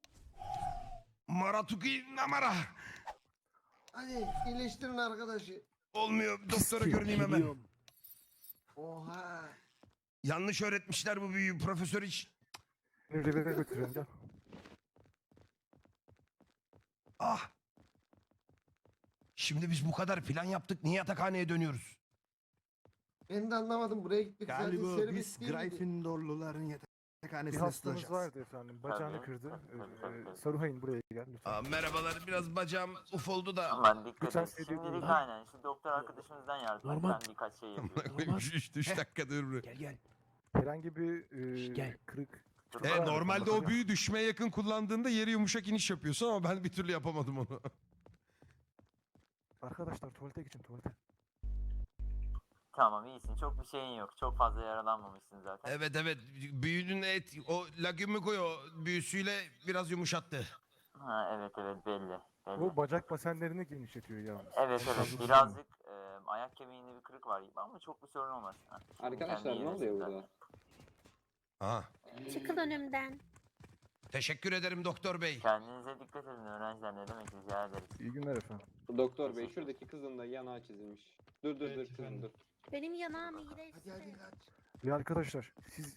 [SPEAKER 1] Maratuki namara.
[SPEAKER 5] Hadi iyileştirin arkadaşı.
[SPEAKER 1] Olmuyor. Doktora görüneyim hemen.
[SPEAKER 3] Geliyorum.
[SPEAKER 5] Oha.
[SPEAKER 1] Yanlış öğretmişler bu büyüyü. Profesör hiç.
[SPEAKER 2] Seni revire götürüyorum gel.
[SPEAKER 1] Ah. Şimdi biz bu kadar plan yaptık. Niye yatakhaneye dönüyoruz?
[SPEAKER 5] Ben de anlamadım. Buraya gittik zaten
[SPEAKER 6] Galiba
[SPEAKER 5] servis
[SPEAKER 6] biz
[SPEAKER 5] değil miydi?
[SPEAKER 6] Gryffindorluların
[SPEAKER 2] Bir
[SPEAKER 6] yatakhanesine
[SPEAKER 2] hastamız
[SPEAKER 6] sığacağız.
[SPEAKER 2] vardı efendim. Bacağını kırdı. Saruhay'ın buraya gel lütfen.
[SPEAKER 1] Aa, merhabalar. Biraz bacağım uf oldu da.
[SPEAKER 4] Aman dikkat
[SPEAKER 2] Lütfen
[SPEAKER 4] et.
[SPEAKER 2] seyret
[SPEAKER 4] Şimdilik
[SPEAKER 2] dinleyin.
[SPEAKER 4] aynen. Şu doktor arkadaşımızdan yardım et.
[SPEAKER 3] Normal.
[SPEAKER 4] Ben birkaç şey yapıyorum.
[SPEAKER 1] 3 dakika dur.
[SPEAKER 3] Gel gel.
[SPEAKER 2] Herhangi bir
[SPEAKER 3] Gel.
[SPEAKER 2] kırık.
[SPEAKER 1] Normalde o büyü düşmeye yakın kullandığında yeri yumuşak iniş yapıyorsun ama ben bir türlü yapamadım onu.
[SPEAKER 2] Arkadaşlar tuvalete geçin tuvalete.
[SPEAKER 4] Tamam iyisin. Çok bir şeyin yok. Çok fazla yaralanmamışsın zaten.
[SPEAKER 1] Evet evet. Büyünün o lagümikoyo büyüsüyle biraz yumuşattı.
[SPEAKER 4] Ha evet evet belli.
[SPEAKER 2] O bacak basenlerini genişletiyor yalnız.
[SPEAKER 4] Evet evet birazcık ayak kemiğinde bir kırık var gibi ama çok bir sorun olmaz. Ha, şimdi
[SPEAKER 11] Arkadaşlar
[SPEAKER 4] kendi
[SPEAKER 11] ne oluyor
[SPEAKER 4] iyileşsin
[SPEAKER 11] burada?
[SPEAKER 1] Aha.
[SPEAKER 7] Çıkın önümden.
[SPEAKER 1] Teşekkür ederim doktor bey.
[SPEAKER 4] Kendinize dikkat edin öğrenciler ne demek rica ederiz.
[SPEAKER 2] İyi günler efendim.
[SPEAKER 11] Doktor bey şuradaki kızın da yanağı çizilmiş. Dur dur dur kızım dur.
[SPEAKER 7] Benim yanağım
[SPEAKER 5] Hadi
[SPEAKER 7] iyileşti.
[SPEAKER 5] hadi kaç.
[SPEAKER 2] Ya arkadaşlar siz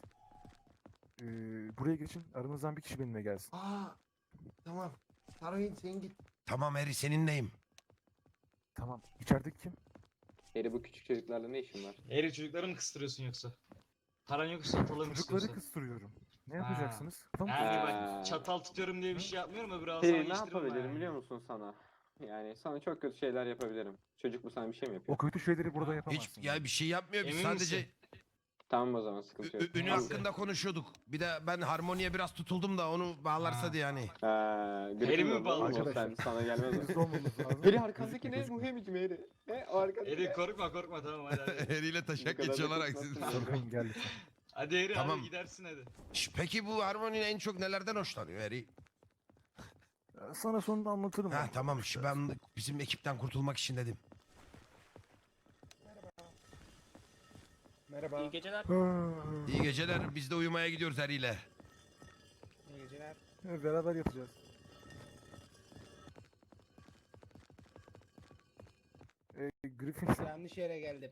[SPEAKER 2] buraya geçin. Aranızdan bir kişi benimle gelsin.
[SPEAKER 5] Aa. Tamam. Saruhin sen git.
[SPEAKER 1] Tamam Harry seninleyim.
[SPEAKER 2] Tamam. İçerideki kim?
[SPEAKER 11] Eri bu küçük çocuklarla ne işin var?
[SPEAKER 10] Eri çocukları mı kıstırıyorsun yoksa? Paran yoksa satalım
[SPEAKER 2] Çocukları kıstırıyorum. Ne
[SPEAKER 10] Ha.
[SPEAKER 2] yapacaksınız? Tamam.
[SPEAKER 10] Yani
[SPEAKER 11] Ha.
[SPEAKER 10] bak çatal tutuyorum diye bir şey yapmıyorum öbür ağzına
[SPEAKER 11] Eri ne
[SPEAKER 10] geçtirmem
[SPEAKER 11] yapabilirim
[SPEAKER 10] yani.
[SPEAKER 11] biliyor musun sana? Yani sana çok kötü şeyler yapabilirim. Çocuk bu sana bir şey mi yapıyor?
[SPEAKER 2] O kötü şeyleri burada yapamazsın.
[SPEAKER 1] Hiç ya bir şey yapmıyor. Biz
[SPEAKER 10] Emin
[SPEAKER 1] sadece
[SPEAKER 10] misin?
[SPEAKER 11] Tamam o zaman sıkıntı yok.
[SPEAKER 1] ünü
[SPEAKER 10] Neyse.
[SPEAKER 1] hakkında konuşuyorduk. Bir de ben harmoniye biraz tutuldum da onu bağlarsa
[SPEAKER 10] Ha.
[SPEAKER 1] diye yani.
[SPEAKER 11] Eri
[SPEAKER 10] mi bağlı?
[SPEAKER 11] Sen sana gelmez o.
[SPEAKER 2] Hızlı olmamız lazım.
[SPEAKER 11] Eri arkandaki ne?
[SPEAKER 2] Gözükme.
[SPEAKER 11] Bu hemik mi Eri? O arkandaki
[SPEAKER 10] Eri
[SPEAKER 11] ne?
[SPEAKER 10] korkma tamam hadi hadi.
[SPEAKER 1] Harry ile taşak
[SPEAKER 11] Bu kadar da
[SPEAKER 1] geçiyorlar
[SPEAKER 11] korkmazsın.
[SPEAKER 1] aksine.
[SPEAKER 2] Saruhay'ın gel lütfen.
[SPEAKER 10] Hadi Eri
[SPEAKER 1] Tamam.
[SPEAKER 10] hadi gidersin hadi.
[SPEAKER 1] Peki bu harmoninin en çok nelerden hoşlanıyor Harry?
[SPEAKER 2] Sana sonunda anlatırım.
[SPEAKER 1] Ha
[SPEAKER 2] onu.
[SPEAKER 1] tamam ben bizim ekipten kurtulmak için dedim.
[SPEAKER 11] Merhaba.
[SPEAKER 10] İyi geceler.
[SPEAKER 1] İyi geceler. Biz de uyumaya gidiyoruz Harry ile.
[SPEAKER 11] İyi geceler.
[SPEAKER 2] Beraber yatacağız. Griffin
[SPEAKER 11] Yanlış yere geldim.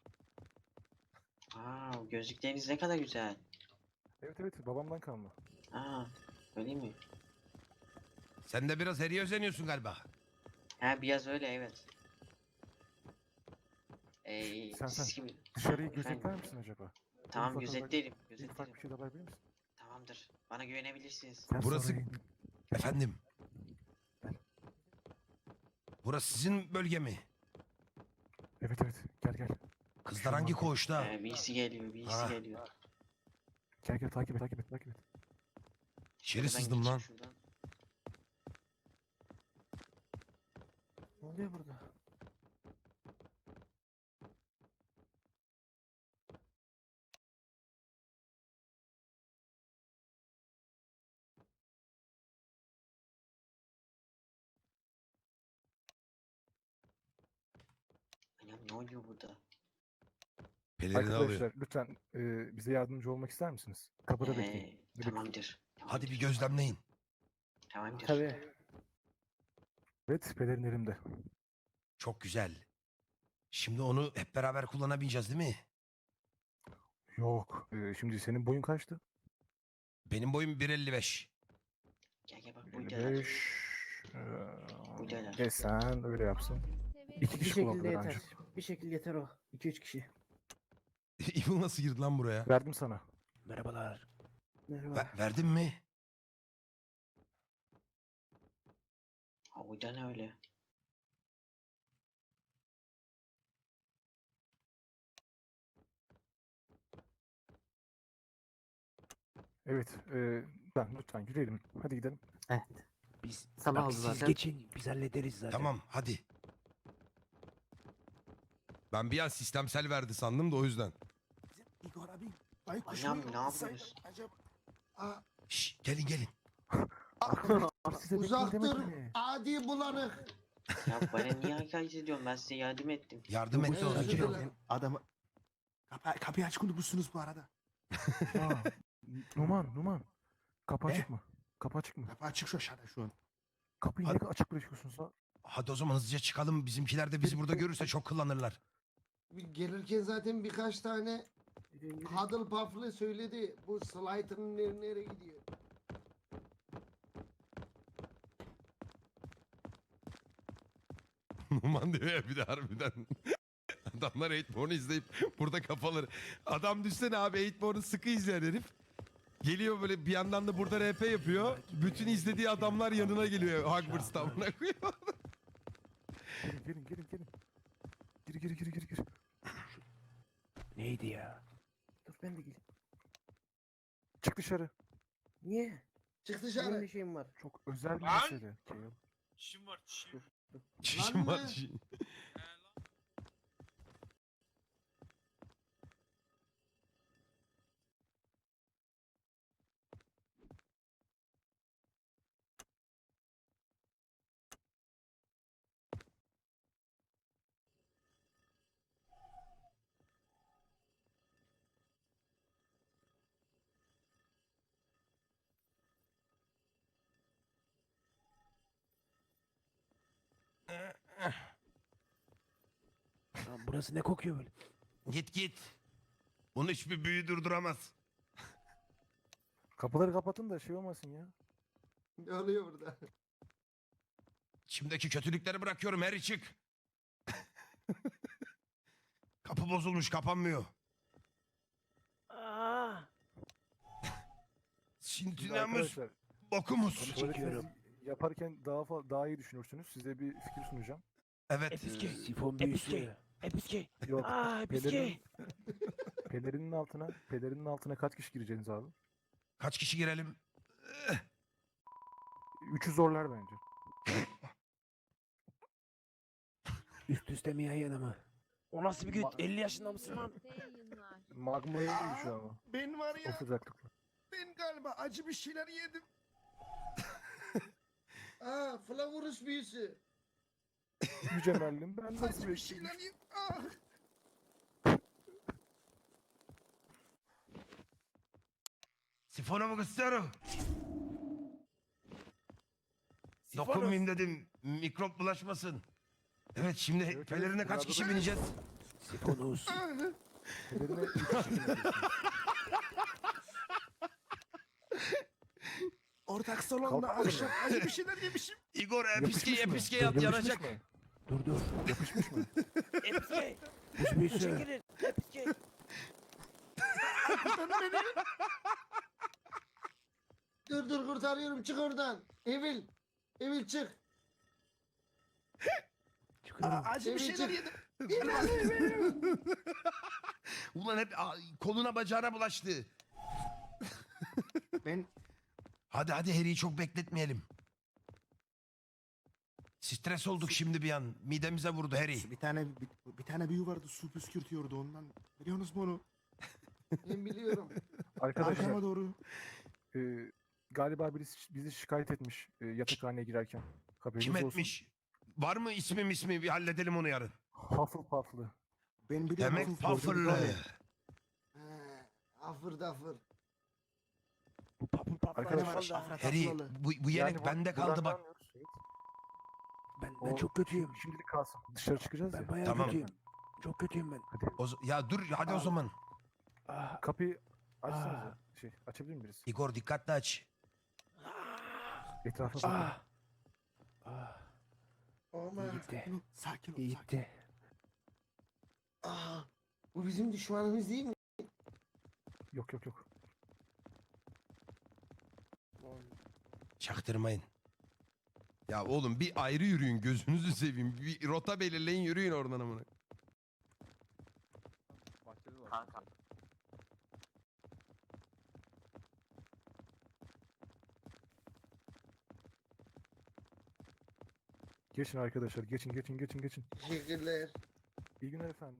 [SPEAKER 4] Gözlükleriniz ne kadar güzel.
[SPEAKER 2] evet evet babamdan kalma.
[SPEAKER 4] Öyle mi?
[SPEAKER 1] Sen de biraz Harry'e özeniyorsun galiba.
[SPEAKER 4] Ha biraz öyle evet.
[SPEAKER 2] Sen dışarıyı
[SPEAKER 4] Efendim?
[SPEAKER 2] gözetler misin acaba?
[SPEAKER 4] Tamam
[SPEAKER 2] Ufak
[SPEAKER 4] gözetlerim.
[SPEAKER 2] Bir ufak bir şey de alabilir misin?
[SPEAKER 4] Tamamdır. Bana güvenebilirsiniz.
[SPEAKER 2] Sen
[SPEAKER 1] Burası-
[SPEAKER 2] Saruhay'ın-
[SPEAKER 1] Efendim.
[SPEAKER 2] Gel.
[SPEAKER 1] Burası sizin bölge mi?
[SPEAKER 2] Evet evet gel.
[SPEAKER 1] Kızlar hangi koğuşta?
[SPEAKER 4] Birisi geliyor, birisi
[SPEAKER 1] Ha.
[SPEAKER 4] geliyor.
[SPEAKER 2] Gel takip et.
[SPEAKER 1] İçeri sızdım lan.
[SPEAKER 2] Ne oluyor burada?
[SPEAKER 4] Ya ne oluyor burada?
[SPEAKER 1] Pelerini alıyor.
[SPEAKER 2] Arkadaşlar lütfen bize yardımcı olmak ister misiniz? Kapıda bekleyin.
[SPEAKER 4] Tamamdır.
[SPEAKER 1] Hadi bir gözlemleyin.
[SPEAKER 4] Tamamdır.
[SPEAKER 2] Evet pelerin elimde.
[SPEAKER 1] Çok güzel. Şimdi onu hep beraber kullanabileceğiz değil mi?
[SPEAKER 2] Yok. Şimdi senin boyun kaçtı?
[SPEAKER 1] Benim boyum 1.55.
[SPEAKER 4] Gel bak buradalar.
[SPEAKER 2] 55.
[SPEAKER 4] Buradalar.
[SPEAKER 2] Sen öyle yapsın. İki kişi kullanılır ancak.
[SPEAKER 3] Bir şekilde yeter o. 2-3 kişi.
[SPEAKER 1] Evil nasıl girdi lan buraya?
[SPEAKER 2] Verdim sana.
[SPEAKER 3] Merhabalar.
[SPEAKER 1] Verdin mi?
[SPEAKER 9] O da ne öyle?
[SPEAKER 2] Evet. Ben lütfen yürüyelim. Hadi gidelim.
[SPEAKER 3] Biz
[SPEAKER 4] Sabah
[SPEAKER 3] bak
[SPEAKER 4] oldu
[SPEAKER 3] siz
[SPEAKER 4] zaten.
[SPEAKER 3] geçin biz hallederiz zaten.
[SPEAKER 1] Tamam hadi. Ben bir an sistemsel verdi sandım da o yüzden.
[SPEAKER 6] Igor abi. Baykuş
[SPEAKER 9] Anam,
[SPEAKER 6] mu
[SPEAKER 9] ne
[SPEAKER 6] yollasaydın
[SPEAKER 9] yapıyorsun?
[SPEAKER 6] acaba?
[SPEAKER 1] Şşş gelin gelin.
[SPEAKER 2] Size
[SPEAKER 5] Uzak
[SPEAKER 2] bekleyin
[SPEAKER 5] dur.
[SPEAKER 2] demedim mi?
[SPEAKER 5] Adi bulanık.
[SPEAKER 9] Ya bana niye hakaret ediyorsun? Ben size yardım ettim.
[SPEAKER 1] Yardım etti o
[SPEAKER 5] Özür
[SPEAKER 1] sakin ol.
[SPEAKER 5] dilerim.
[SPEAKER 6] Adamı... Kapıyı açık unutmuşsunuz bu arada.
[SPEAKER 2] Aa, Numan. Kapı
[SPEAKER 1] Ne?
[SPEAKER 2] açık mı? Kapı açık mı?
[SPEAKER 6] Kapı açık şu aşağıda şu an.
[SPEAKER 2] Kapıyı
[SPEAKER 1] Hadi.
[SPEAKER 2] niye açık bırakıyorsunuz ha?
[SPEAKER 1] Hadi o zaman hızlıca çıkalım. Bizimkiler de bizi burada görürse çok kullanırlar.
[SPEAKER 5] Gelirken zaten birkaç tane
[SPEAKER 2] Yürüyün, yürüyün.
[SPEAKER 5] Huddle Puff'lı söyledi. Bu Slytherin nereye gidiyor?
[SPEAKER 1] Numan diyor ya bir de harbiden. Adamlar 8born'u izleyip burada kafaları. Adam düşsene abi 8born'u sıkı izleyen herif. Geliyor böyle bir yandan da burada RP yapıyor. Bütün izlediği adamlar yanına geliyor. Hogwarts'ta amına koyuyor.
[SPEAKER 2] Gelin. Gir.
[SPEAKER 3] Neydi ya?
[SPEAKER 4] Dur ben de geleyim.
[SPEAKER 2] Çık dışarı.
[SPEAKER 4] Niye?
[SPEAKER 5] Çık
[SPEAKER 4] Benim
[SPEAKER 5] dışarı.
[SPEAKER 4] ne şeyim var?
[SPEAKER 2] Çok özel bir
[SPEAKER 10] Lan!
[SPEAKER 2] mesele.
[SPEAKER 10] İşim var çişim.
[SPEAKER 1] Çişim var
[SPEAKER 5] Lan ne?
[SPEAKER 1] çişim.
[SPEAKER 3] Lan burası ne kokuyor böyle?
[SPEAKER 1] Git. Bunu hiçbir büyü durduramaz.
[SPEAKER 2] Kapıları kapatın da şey olmasın ya.
[SPEAKER 5] Ne oluyor burada?
[SPEAKER 1] İçimdeki kötülükleri bırakıyorum her çık. Kapı bozulmuş kapanmıyor.
[SPEAKER 3] Aa!
[SPEAKER 2] Şimdi
[SPEAKER 1] Sintinamız
[SPEAKER 2] arkadaşlar
[SPEAKER 1] bokumuz.
[SPEAKER 2] tuvaletinizi yaparken daha iyi düşünürsünüz. Size bir fikir sunacağım.
[SPEAKER 1] Evet.
[SPEAKER 3] Episke.
[SPEAKER 8] Sifon
[SPEAKER 3] Episke. Episke.
[SPEAKER 2] Yok.
[SPEAKER 3] Aa episke.
[SPEAKER 2] Pelerinin altına kaç kişi gireceğiniz abi?
[SPEAKER 1] Kaç kişi girelim?
[SPEAKER 2] 3'ü zorlar bence.
[SPEAKER 3] Üst üste mi yan yana mı? O nasıl bir gün? 50 yaşında mısın lan?
[SPEAKER 2] Magma'ya gibi şu an.
[SPEAKER 6] Ben var
[SPEAKER 2] O sıcaklıkla.
[SPEAKER 6] ben galiba acı bir şeyler yedim.
[SPEAKER 5] Aa, Flavurus büyüsü.
[SPEAKER 2] Yüce Merlin ben nasıl
[SPEAKER 6] Acı bir
[SPEAKER 2] bekleyeyim?
[SPEAKER 6] şeyler yedim. Ah.
[SPEAKER 1] Sifonumu istiyorum. Dokunmayayım dedim. Mikrop bulaşmasın. Evet şimdi
[SPEAKER 2] Evet,
[SPEAKER 1] pelerine kaç
[SPEAKER 2] burada
[SPEAKER 1] kişi
[SPEAKER 2] da-
[SPEAKER 1] bineceğiz?
[SPEAKER 3] Sifonuz.
[SPEAKER 2] Pelerine 3 kişi bineceksiniz.
[SPEAKER 6] Ortak salonda
[SPEAKER 2] Kalk-
[SPEAKER 6] akşam acı bir şeyler yemişim.
[SPEAKER 1] Igor
[SPEAKER 2] Yapışmış mı?
[SPEAKER 1] episke
[SPEAKER 2] Yapışmış
[SPEAKER 1] yanacak.
[SPEAKER 2] mı?
[SPEAKER 3] Dur.
[SPEAKER 2] Yapışmış mı?
[SPEAKER 3] Episke. Buz büyüsü. Çekilin. Episke.
[SPEAKER 5] Dur kurtarıyorum, çık oradan. Evil çık.
[SPEAKER 3] Çıkıyorum.
[SPEAKER 6] Acı bir
[SPEAKER 5] Evet,
[SPEAKER 6] şeyler
[SPEAKER 5] çık.
[SPEAKER 6] yedim.
[SPEAKER 1] Ulan hep koluna bacağına bulaştı.
[SPEAKER 6] Ben
[SPEAKER 1] Hadi Harry'i çok bekletmeyelim. Stres olduk şimdi bir an. Midemize vurdu Harry.
[SPEAKER 6] bir tane büyü vardı su püskürtüyordu ondan. Biliyorsunuz mu onu?
[SPEAKER 5] Ben biliyorum.
[SPEAKER 2] Arkadaşlar
[SPEAKER 6] Arkama doğru.
[SPEAKER 2] galiba birisi bizi şikayet etmiş yatakhaneye girerken. Haberiniz
[SPEAKER 1] Kim
[SPEAKER 2] olsun.
[SPEAKER 1] etmiş? Var mı ismi bir halledelim onu yarın.
[SPEAKER 2] Hufflepuff'lı.
[SPEAKER 6] Ben biliyorum.
[SPEAKER 1] Demek
[SPEAKER 6] Hufflepuff'u.
[SPEAKER 1] Puffer'lı.
[SPEAKER 5] Afır dafır.
[SPEAKER 3] Bu papul papul
[SPEAKER 2] Arkadaşlar,
[SPEAKER 3] kaldı.
[SPEAKER 6] Afra
[SPEAKER 1] Harry
[SPEAKER 6] Tatlılı.
[SPEAKER 1] bu yemek bende kaldı bak.
[SPEAKER 3] Ben çok kötüyüm.
[SPEAKER 2] Şimdilik kalsın. Dışarı çıkacağız
[SPEAKER 3] Ben
[SPEAKER 2] ya.
[SPEAKER 3] bayağı
[SPEAKER 1] Tamam.
[SPEAKER 3] kötüyüm. Çok kötüyüm ben.
[SPEAKER 1] Ya dur hadi o zaman.
[SPEAKER 3] Ah.
[SPEAKER 2] Kapıyı açsanıza. Açabilir mi birisi?
[SPEAKER 1] Igor dikkatli aç.
[SPEAKER 2] Etrafa bakın.
[SPEAKER 3] Ah. Ah.
[SPEAKER 5] Aman.
[SPEAKER 3] İyi gitti.
[SPEAKER 6] Sakin ol.
[SPEAKER 3] İyi
[SPEAKER 6] Sakin.
[SPEAKER 3] gitti.
[SPEAKER 5] Aa, bu bizim düşmanımız değil mi?
[SPEAKER 2] Yok.
[SPEAKER 1] Çaktırmayın. Ya oğlum bir ayrı yürüyün gözünüzü seveyim. Bir rota belirleyin yürüyün oradan amına.
[SPEAKER 11] Kanka.
[SPEAKER 2] Geçin arkadaşlar. Geçin.
[SPEAKER 5] Teşekkürler.
[SPEAKER 2] İyi günler efendim.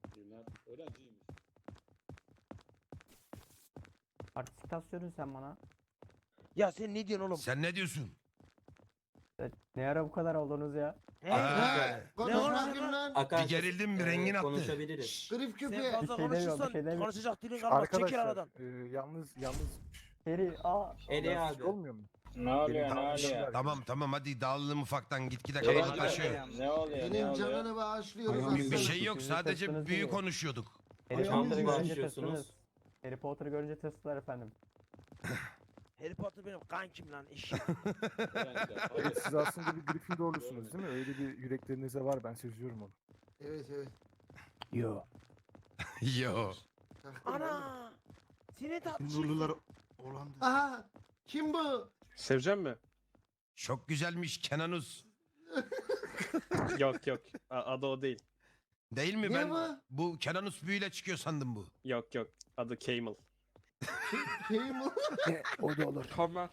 [SPEAKER 3] Artistasyon sen bana.
[SPEAKER 4] Ya sen ne diyorsun oğlum?
[SPEAKER 1] Sen ne diyorsun?
[SPEAKER 3] Ne ara bu kadar oldunuz ya?
[SPEAKER 5] Ha, konuş
[SPEAKER 4] Ne oldu
[SPEAKER 5] bakayım lan.
[SPEAKER 1] Bir gerildim bir rengin attı.
[SPEAKER 5] Grif
[SPEAKER 3] Sen
[SPEAKER 5] köpeği.
[SPEAKER 3] fazla konuşursan konuşacak dilin kalmaz. Çekil aradan.
[SPEAKER 2] Yalnız
[SPEAKER 3] Seri
[SPEAKER 2] Eli abi. Olmuyor mu?
[SPEAKER 10] Ne oluyor?
[SPEAKER 1] Tamam hadi dağılalım ufaktan gitgide kabalıklaşıyor.
[SPEAKER 10] Ne oluyor?
[SPEAKER 5] Benim canını bağışlıyoruz
[SPEAKER 1] Bir
[SPEAKER 5] aslanım.
[SPEAKER 1] şey yok sadece büyü konuşuyorduk.
[SPEAKER 3] Harry
[SPEAKER 5] Ayağımız
[SPEAKER 3] Potter'ı
[SPEAKER 5] var.
[SPEAKER 3] görünce tırsınız. Harry Potter'ı görünce tırsınlar efendim.
[SPEAKER 4] Harry Potter benim kankim lan eşek.
[SPEAKER 2] Evet, siz aslında bir Gryffindorlusunuz değil mi? Öyle bir yüreklerinizde var. Ben seziyorum onu.
[SPEAKER 5] Evet.
[SPEAKER 3] Yo.
[SPEAKER 1] Yo.
[SPEAKER 4] Ana! Seni tatlı.
[SPEAKER 6] Nurlular Hollanda.
[SPEAKER 5] Aha. Kim bu?
[SPEAKER 10] Sevecen mi?
[SPEAKER 1] Çok güzelmiş Kenanus.
[SPEAKER 10] Yok. Adı o değil.
[SPEAKER 1] Değil mi
[SPEAKER 5] Ne
[SPEAKER 1] ben?
[SPEAKER 5] bu?
[SPEAKER 1] Bu Kenanus büyüyle çıkıyor sandım bu.
[SPEAKER 10] Yok. Adı Camel.
[SPEAKER 5] Kim bu?
[SPEAKER 3] O da olur.
[SPEAKER 10] Tamam.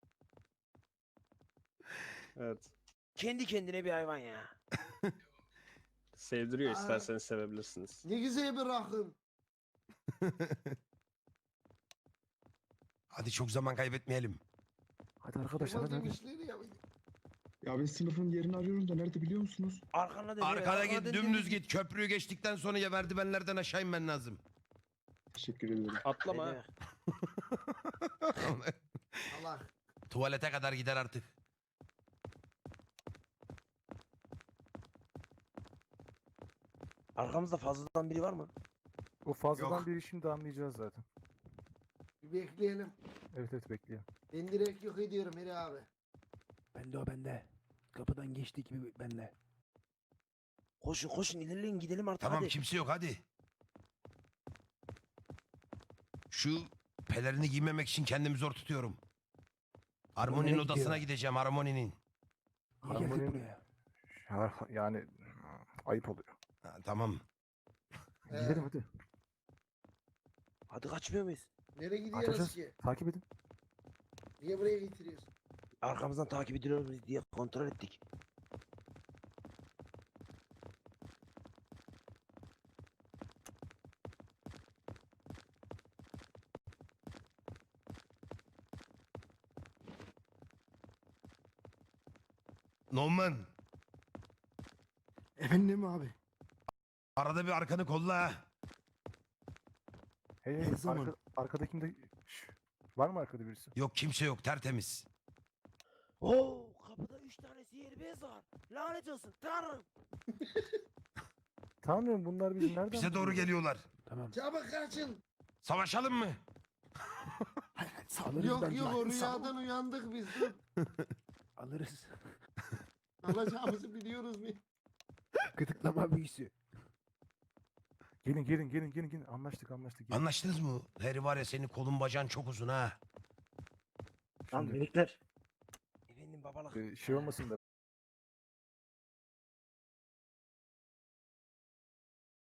[SPEAKER 10] Evet.
[SPEAKER 4] Kendi kendine bir hayvan ya.
[SPEAKER 10] Sevdiriyor
[SPEAKER 5] Aa.
[SPEAKER 10] isterseniz sevebilirsiniz.
[SPEAKER 5] Ne güzel bir rakım.
[SPEAKER 1] Hadi çok zaman kaybetmeyelim.
[SPEAKER 2] Hadi arkadaşlar
[SPEAKER 5] Kemal
[SPEAKER 2] hadi.
[SPEAKER 5] demişler ya.
[SPEAKER 6] Ya ben sınıfın yerini arıyorum da nerede biliyor musunuz?
[SPEAKER 4] Arkana dön.
[SPEAKER 1] Arkada git dümdüz git. Köprüyü geçtikten sonra ya merdivenlerden aşağı inmen lazım.
[SPEAKER 6] Teşekkür ederim.
[SPEAKER 10] Atlama. ha.
[SPEAKER 5] Allah.
[SPEAKER 1] Tuvalete kadar gider artık.
[SPEAKER 4] Arkamızda fazladan biri var mı?
[SPEAKER 2] O fazladan
[SPEAKER 1] Yok.
[SPEAKER 2] bir işini de anlayacağız zaten.
[SPEAKER 5] Bir bekleyelim.
[SPEAKER 2] Evet bekleyelim.
[SPEAKER 5] Ben direkt yok ediyorum Heri abi.
[SPEAKER 3] Bende. Kapıdan geçti gibi bende.
[SPEAKER 4] Koşun ilerleyin gidelim artık
[SPEAKER 1] Tamam
[SPEAKER 4] hadi.
[SPEAKER 1] kimse yok hadi. Şu pelerini giymemek için kendimi zor tutuyorum. Harmoni'nin
[SPEAKER 3] Nereye
[SPEAKER 1] odasına
[SPEAKER 3] gidiyor?
[SPEAKER 1] gideceğim Harmoni'nin.
[SPEAKER 2] Harmoni yani ayıp oluyor.
[SPEAKER 1] Ha, tamam.
[SPEAKER 2] Gidelim hadi.
[SPEAKER 4] Hadi kaçmıyor muyuz?
[SPEAKER 5] Nereye gidiyoruz
[SPEAKER 2] Kaçacağız.
[SPEAKER 5] ki?
[SPEAKER 2] Takip edin.
[SPEAKER 5] Niye buraya getiriyorsun?
[SPEAKER 4] Arkamızdan takip ediliyor muyuz diye kontrol ettik.
[SPEAKER 1] Norman.
[SPEAKER 6] Efendim abi.
[SPEAKER 1] Arada bir arkanı kolla ha.
[SPEAKER 2] Hey,
[SPEAKER 6] Ne zaman?
[SPEAKER 2] arkadakinde var mı arkada birisi?
[SPEAKER 1] Yok kimse yok tertemiz.
[SPEAKER 4] Oo kapıda 3 tane sihirbaz var. Lanet olsun tanrım.
[SPEAKER 2] Tanrım bunlar bizi nereden
[SPEAKER 1] Bize doğru
[SPEAKER 2] buluyor?
[SPEAKER 1] geliyorlar.
[SPEAKER 5] Çabuk kaçın.
[SPEAKER 1] Savaşalım mı?
[SPEAKER 6] Hayır, sağ
[SPEAKER 5] Yok o rüyadan uyandık biz. Dur.
[SPEAKER 3] Alırız.
[SPEAKER 5] Alacağımızı biliyoruz biz.
[SPEAKER 3] Gıdıklama büyüsü.
[SPEAKER 2] Gelin. Anlaştık. Gelin.
[SPEAKER 1] Anlaştınız mı? Harry var ya senin kolun bacağın çok uzun ha.
[SPEAKER 2] Şimdi,
[SPEAKER 4] Efendim babalık.
[SPEAKER 2] şey olmasın da